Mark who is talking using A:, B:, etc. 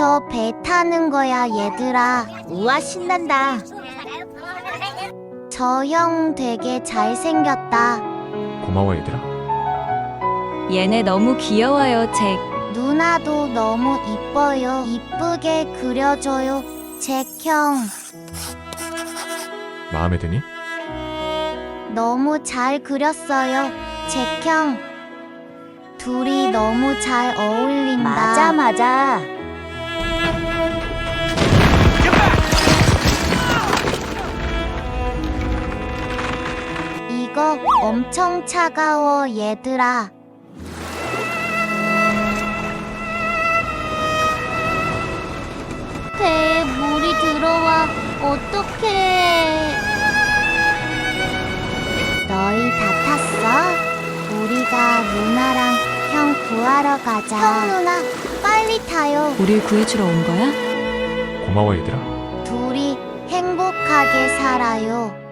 A: 드디어 배 타는 거야, 얘들아.
B: 우와, 신난다.
A: 저 형 되게 잘생겼다.
C: 고마워 얘들아.
D: 얘네 너무 귀여워요, 잭.
A: 누나도 너무 이뻐요. 이쁘게 그려줘요, 잭 형.
C: 마음에 드니?
A: 너무 잘 그렸어요, 잭 형. 둘이 너무 잘 어울린다.
B: 맞아.
A: 이거 엄청 차가워, 얘들아. 배에 물이 들어와. 어떡해. 너희 다 탔어? 우리가 누나랑 형 구하러 가자. 형 누나, 빨리 타요.
D: 우릴 구해주러 온 거야?
C: 고마워 얘들아.
A: 둘이 행복하게 살아요.